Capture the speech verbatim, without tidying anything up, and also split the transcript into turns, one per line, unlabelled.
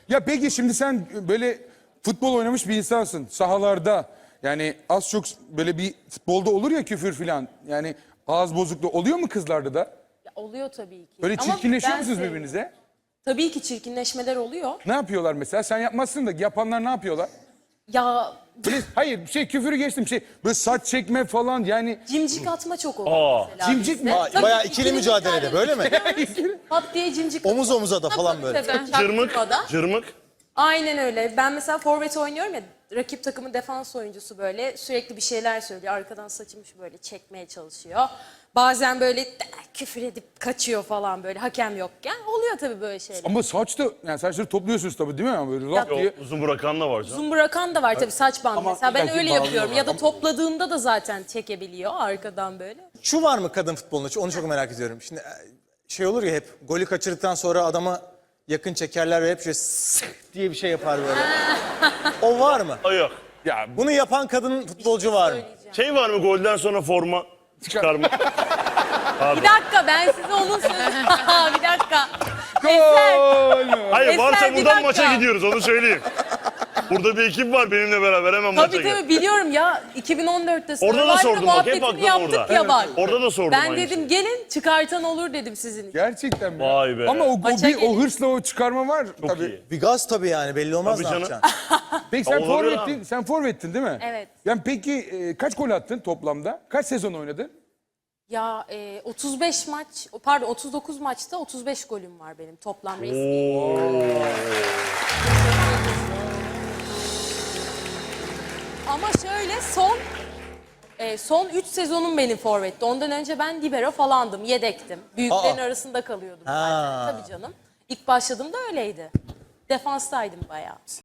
Ya peki şimdi sen böyle futbol oynamış bir insansın sahalarda. Yani az çok böyle bir futbolda olur ya küfür filan. Yani ağız bozukluğu oluyor mu kızlarda da?
Ya oluyor tabii ki.
Böyle
Ama
çirkinleşiyor
ben
musunuz
sevmiyorum.
birbirinize?
Tabii ki çirkinleşmeler oluyor.
Ne yapıyorlar mesela? Sen yapmazsın da yapanlar ne yapıyorlar?
Ya
Böyle, hayır şey küfürü geçtim şey böyle saç çekme falan yani.
cimcik atma çok oluyor mesela
Cimcik
bizde.
mi?
Aa,
Tabii
bayağı
ki,
ikili mücadelede böyle mi?
Pat diye cimcik
Omuz omuza da falan böyle.
Cırmık,
Çaktırmadan.
cırmık.
Aynen öyle. Ben mesela forvet oynuyorum ya, rakip takımın defans oyuncusu böyle sürekli bir şeyler söylüyor. Arkadan saçımı şu böyle çekmeye çalışıyor. Bazen böyle de- küfür edip kaçıyor falan böyle hakem yokken. Oluyor tabii böyle şeyler.
Ama saç da yani saçları topluyorsunuz tabii değil mi? Yani böyle laf
Yo,
diye.
uzun bırakan da var canım.
Uzun bırakan da var tabii saç bandı.
Ama
Mesela ben
belki
öyle
bağlıyor
yapıyorum.
var.
Ya da topladığında da zaten çekebiliyor arkadan böyle.
Şu var mı kadın futbolunda? Onu çok merak ediyorum. Şimdi e, şey olur ya hep golü kaçırdıktan sonra adama yakın çekerler ve hep şöyle sık diye bir şey yapar böyle. O var mı?
Ay yok.
Ya
Bunu yapan kadın futbolcu var mı?
Şey var mı golden sonra forma çıkarma?
Bir dakika ben size onun sözü... bir dakika.
gol.
Hayır
Eser,
varsa
bir
buradan
dakika.
maça gidiyoruz onu söyleyeyim. Burada bir ekip var benimle beraber hemen maça
Tabii
gel.
tabii biliyorum ya iki bin on dörtte
Orada da
Survivor'da
sordum bak hep
muhabbetini
aklım
yaptık
orada.
ya bak.
Orada da sordum
Ben
aynısını.
dedim gelin çıkartan olur dedim sizin için.
Gerçekten mi?
Vay be.
Ama o, o,
Maça
bir, o
gelin.
hırsla o çıkarma var
Çok
tabii.
iyi.
Bir gaz tabii yani belli olmaz
Tabii
ne
canım.
yapacaksın.
Peki sen
Olabilir
forvettin,
abi.
sen forvettin değil mi?
Evet.
Yani peki e, kaç gol attın toplamda? Kaç sezon oynadın?
Ya e, otuz beş maç pardon otuz dokuz maçta otuz beş golüm var benim toplam resmi. Ama şöyle son e, son üç sezonum benim forvetti. Ondan önce ben libero falandım, yedektim. Büyüklerin
Aa.
arasında kalıyordum
Ha.
zaten. Tabii canım. İlk başladığımda öyleydi. Defanstaydım bayağı.